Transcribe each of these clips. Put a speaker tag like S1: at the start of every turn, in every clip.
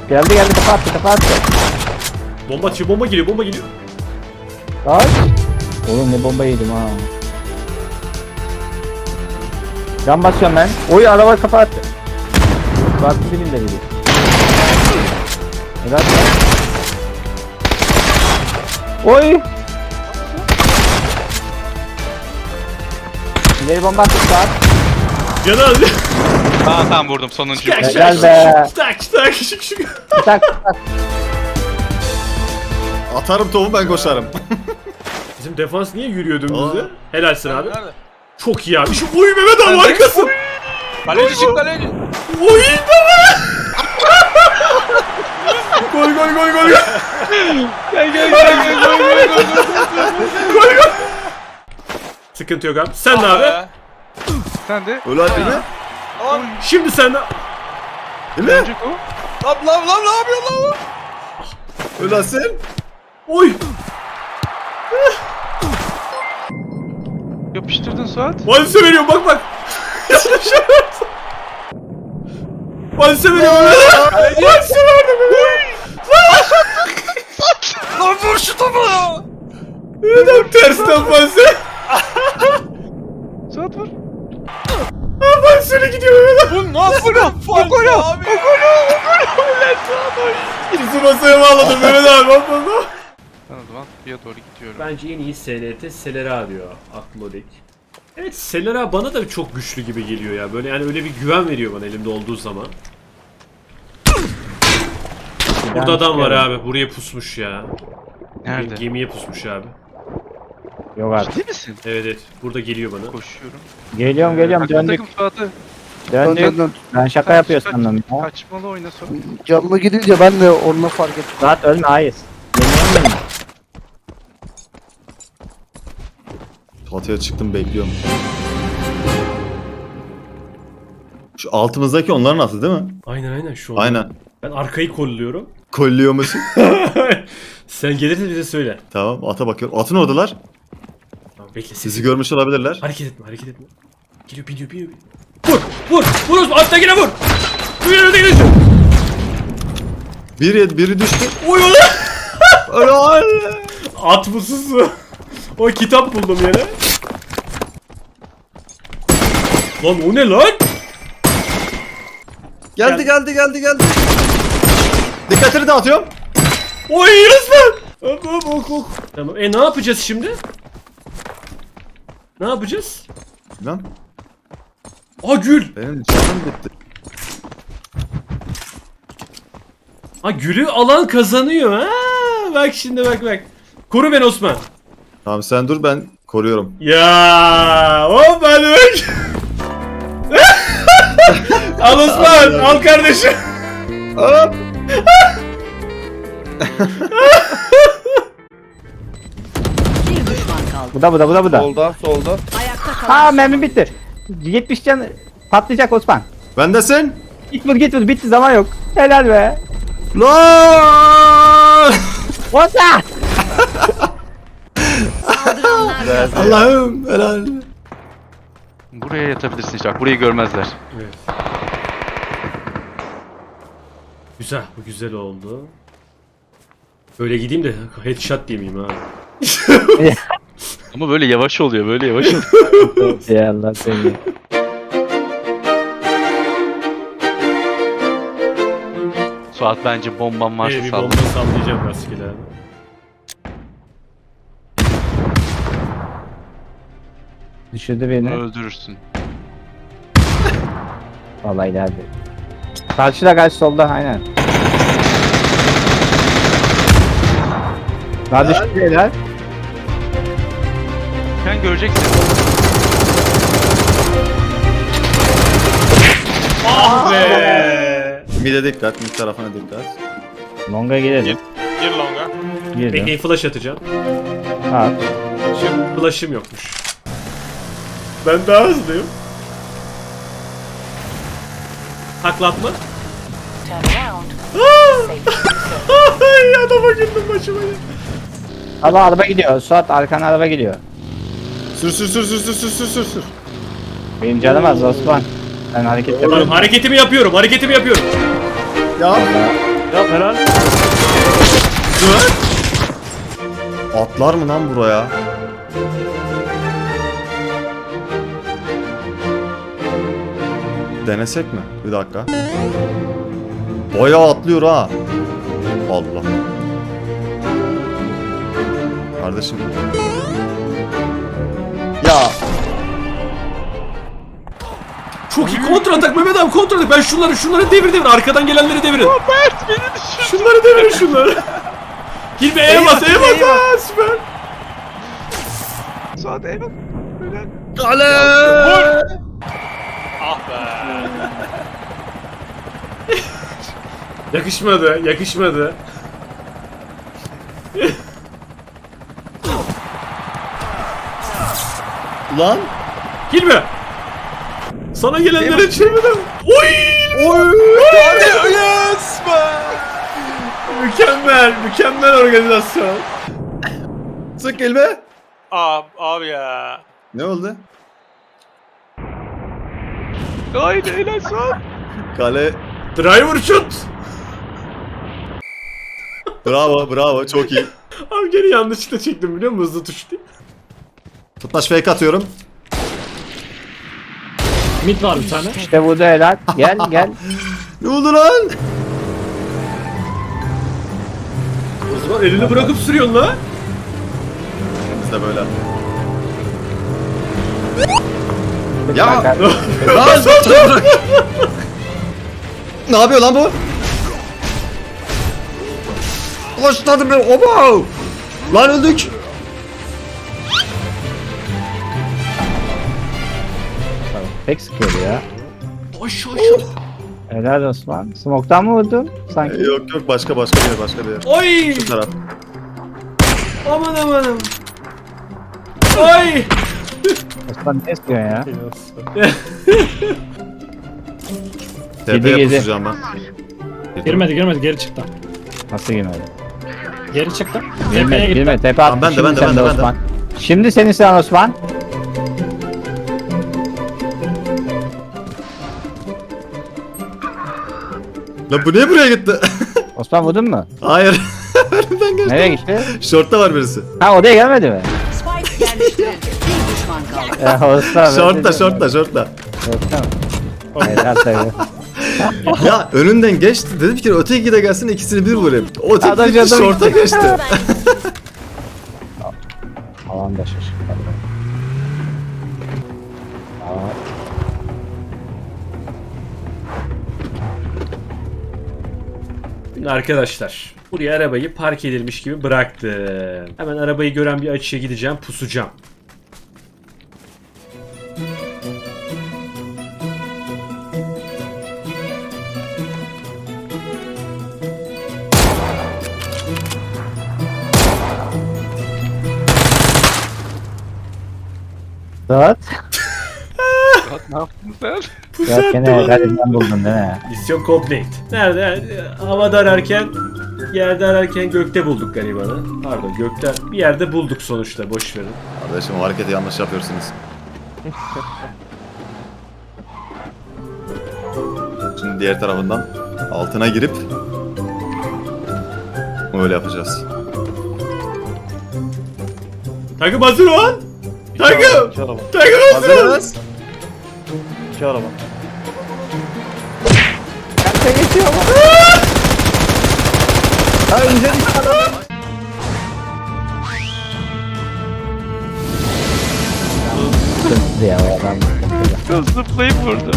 S1: Geldi kafa attı.
S2: Bomba atıyor, bomba geliyor.
S1: Kaç. Oğlum ne bomba yedim ha. Can basıyorum ben. Oy araba kafa attı. Baktı dibinde biri. Evet. Oy. İleri bomba attı saat.
S2: Canı aldı.
S3: Tamam vurdum sonuncuyu.
S1: Helal be. Tak.
S4: Atarım topu ben koşarım.
S2: Bizim defans niye yürüyor dümdüzde?
S4: Aa.
S2: Helalsin abi.
S5: Nerede?
S2: Çok iyi abi. Şu oy Mehmet abi arkasın.
S5: Kaleci çık kaleci.
S2: Oy baba. Gol. Gol. Sıkıntı yok abi. Sen de abi.
S3: Sen de.
S4: Öyle değil mi?
S5: Lan
S2: Şimdi sen de.
S4: Değil mi?
S3: Öncük o.
S5: lan ne yapıyorsun lan?
S4: Öyle sen.
S2: Oy.
S3: Yapıştırdın Suat.
S2: Valise veriyorum bak. Valise veriyorum. Valise verdim.
S5: Lan vur şu topu ya.
S2: Neden tersten valise?
S3: Suat vur.
S2: Valise gidiyor Mehmet abi.
S5: Bu nasıl bir faul abi?
S2: Bizi masaya bağladım Mehmet abi. Bak.
S3: Ben o zaman suya doğru gidiyorum.
S2: Bence en iyi SLT Selera diyor Aklodik. Evet Selera bana da çok güçlü gibi geliyor ya. Böyle yani öyle bir güven veriyor bana elimde olduğu zaman. Burada adam var abi. Buraya pusmuş ya.
S3: Nerede?
S2: Gemiye pusmuş abi.
S1: Yok artık.
S3: Ciddi misin?
S2: Evet. Burada geliyor bana.
S3: Koşuyorum.
S1: Geliyorum
S3: Takım
S1: döndük.
S3: Suat'ı.
S1: Döndük. Ben şaka yapıyor sandım ya.
S3: Kaçmalı oyna Suat.
S6: Canlı gidince ben de onunla fark ettim.
S1: Rahat ölme hayır. Yeniyorum mi?
S4: Çatıya çıktım bekliyorum. Şu altımızdaki onların atı değil mi?
S2: Aynen şu an.
S4: Aynen.
S2: Ben arkayı kolluyorum.
S4: Kolluyor musun?
S2: Sen gelirse bize söyle.
S4: Tamam ata bakıyorum. Atın oradalar.
S2: Tamam bekle
S4: Sizi görmüş olabilirler.
S2: Hareket etme. Geliyor biniyor. Vur Osman attakine vur. Biri
S4: Biri düştü.
S2: Oy
S4: Helal.
S2: At mısın? O kitap buldum yine. Lan o ne lan?
S4: Geldi. Dikkatini dağıtıyorum.
S2: Oy Osman. Ok. Tamam ne yapacağız şimdi? Ne yapacağız?
S4: Lan
S2: Gül.
S4: benim canım bitti.
S2: Gülü alan kazanıyor ha. Bak şimdi bak. Koru beni Osman.
S4: Tamam sen dur ben koruyorum.
S2: Ya hop hadi bak. Al Osman al kardeşim.
S4: Hop.
S7: Bir düşman kaldı.
S1: Bu da.
S6: Solda.
S7: Ayakta kalan
S1: Ha mermi bitti. 70 can patlayacak Osman.
S4: Bendesin.
S1: Git vur bitti zaman yok. Helal be.
S4: Lan.
S1: Osman.
S7: saldıranlar
S4: Allah'ım helal.
S3: Buraya yatabilirsin işte. Bak burayı görmezler.
S2: Evet. Güzel bu güzel oldu. Böyle gideyim de headshot diyemeyeyim ha.
S3: Ama böyle yavaş oluyor. Böyle yavaş oluyor.
S1: Ya Allah seni.
S3: Suat bence bomban varsa
S2: Bir
S3: salla.
S2: bomba sallayacağım rastgele abi.
S1: Düşürdü beni.
S3: Öldürürsün.
S1: Vallahi ileride. Karşı solda aynen. Daha düştü beyler.
S3: Sen göreceksin.
S2: Ah be!
S4: Mide dikkat, mid tarafına dikkat.
S1: Longa gidelim.
S5: Gir longa.
S1: Girdim.
S2: Bekleyin flash atacağım.
S1: At.
S2: Flash'ım yokmuş. Ben daha hızlıyım. Taklatma.
S7: turn around.
S2: Ay adama güldüm başıma ya.
S1: Allah araba gidiyor. Suat arkana araba gidiyor.
S4: Sür.
S1: Benim canım az Osman. Ben hareket yapıyorum.
S2: Hareketimi yapıyorum.
S4: Ya
S1: Vallahi Yap helal.
S4: Atlar mı lan buraya? Denesek mi? Bir dakika. Bayağı atlıyor ha. Allah. Kardeşim. Ya
S2: Çok iyi kontra atak Mehmet abi, kontra atak. Ben şunları devir arkadan gelenleri devirin. Mert beni düşür. Şunları devirin şunları. Hilmi E'ye bas, ha, süper.
S4: kale!
S5: Ah be.
S2: Yakışmadı.
S4: Lan!
S2: Hilmi. Sana gelenlere çevirdim. Oy!
S5: Yes be.
S2: Mükemmel organizasyon.
S4: Sık elime.
S5: Abi ya.
S4: Ne oldu?
S3: Haydi helal Suat.
S4: Kale.
S2: Driver shot.
S4: Bravo çok iyi.
S2: Abi gene yanlışlıkla çektim biliyor musun? Hızlı tuş diye.
S4: Tutmaç fake atıyorum.
S1: Mid var bir tane. İşte bu da helal. Gel.
S4: Ne oldu lan?
S2: O zaman elini bırakıp sürüyorsun la.
S4: Biz de böyle.
S1: Ya.
S4: Lan! Ne yapıyor lan bu? Ulaştırdım ben. Oba! Lan öldük.
S1: Pek sıkıyordu ya.
S2: Aşağı.
S1: Helal Osman. Smoke'tan mı vurdun? Sanki.
S4: Yok başka bir yer.
S2: Oy!
S4: Şu taraf.
S2: Aman. Oy!
S1: Osman ne istiyorsun ya?
S4: TP'ye
S1: Gidi.
S4: pusacağım ben.
S8: Girmedi geri çıktı.
S1: Nasıl girmedi?
S8: Geri çıktı. Tepeye gitti.
S1: Girme. Tepe attı.
S4: Ben de,
S1: Şimdi
S4: ben de,
S1: sen
S4: ben de.
S1: Osman. Şimdi senin sıran Osman.
S4: Lan bu niye buraya gitti?
S1: Osman vurdun mu?
S4: Hayır. Önümden geçti.
S1: Nereye gitti?
S4: Short'ta var birisi.
S1: Ha odaya gelmedi mi?
S7: Spike yerleştirildi. Bir düşman kaldı.
S1: Ya Osman.
S4: Short'ta.
S1: Short'ta mı? Helal tabii.
S4: Ya önünden geçti. Dedim ki öteki de gelsin ikisini bir vurayım. O
S1: Adam
S4: öteki gitti
S1: canım
S4: short'a
S1: gitti.
S4: geçti.
S1: Alan da şaşırdı.
S2: Şimdi arkadaşlar, buraya arabayı park edilmiş gibi bıraktım. Hemen arabayı gören bir açıya gideceğim, pusacağım.
S1: Dört.
S3: Ne yaptın sen?
S1: Ya gene galibinden buldun değil mi?
S2: Misyon complete. Nerede? Havada ararken, yerde ararken gökte bulduk garibanı. Pardon, gökte bir yerde bulduk sonuçta, boş verin.
S4: Kardeşim o hareketi yanlış yapıyorsunuz. Şimdi diğer tarafından altına girip öyle yapacağız.
S2: Takım hazır ol! Takım! Takım hazır ol!
S4: Hazırız.
S1: Kaçta geçiyor mu? Ha önce sıkıntı ya o adam sıkıntı.
S3: Zıplayıp vurdu.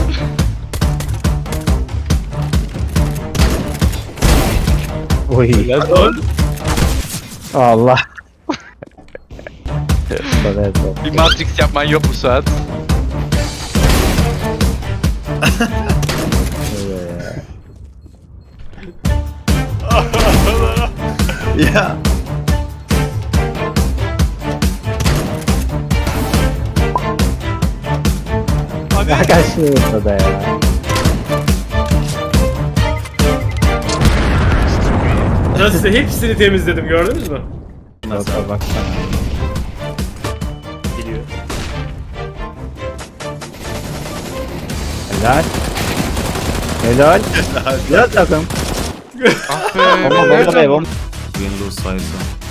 S1: Oy. Allah. Evet.
S3: Bir Matrix yapman yok mu Suat?
S4: Ya.
S1: Ya kaçtı da ya.
S2: Nasıl hepsini temizledim, gördünüz mü?
S1: Nasıl baksana.
S2: Geliyor.
S1: Helal. Helal. Helal takım. Bomba be bomba.
S4: Windows sayısı.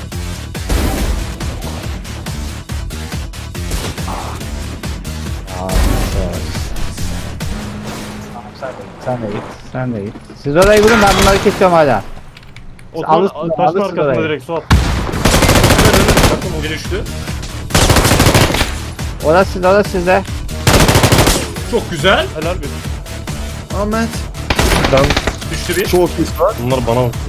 S1: Sen de git. Siz orayı vurun, ben bunları kesiyorum hala. Alırsın,
S8: Taşın
S1: alırsın
S8: arkasına
S1: orayı.
S8: direkt Suat.
S2: Bir düştü.
S1: Orası sizde.
S2: Çok güzel.
S8: Helal bir.
S4: Ahmet.
S2: Düştü bir.
S4: Çok iyi.
S8: Bunlar bana bak.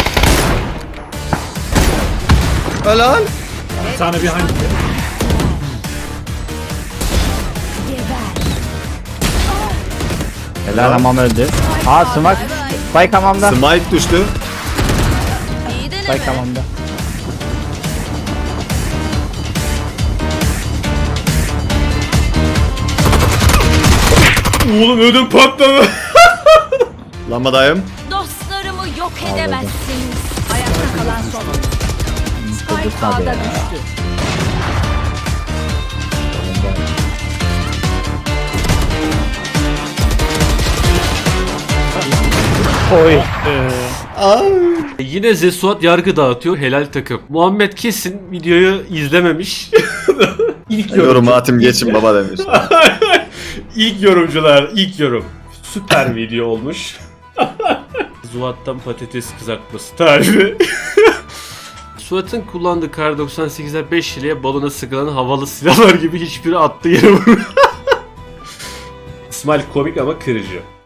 S4: Helal.
S8: Bir tane bir hangi?
S1: Helal, hamam öldü. Aa sımak. Spike hamamda.
S4: Smite düştü.
S1: Spike hamamda.
S2: Oğlum ödüm patladı.
S4: Lambadayım.
S7: Dostlarımı yok edemezsiniz. Ayakta kalan son oyuncu. Spike
S1: Tabii
S7: A'da
S1: ya.
S7: düştü.
S1: Oy.
S2: Yine Zesuat yargı dağıtıyor. Helal takım. Muhammed kesin videoyu izlememiş. İlk
S4: Yorum atım geçin baba demiş.
S2: İlk yorumcular, ilk yorum. Süper video olmuş. Zuhat'tan patates kızartması tarifi. Suat'ın kullandığı Kar 98'ler 5 liraya balona sıkılan havalı silahlar gibi hiçbiri attığı yere vurmuyor. İsmail komik ama kırıcı.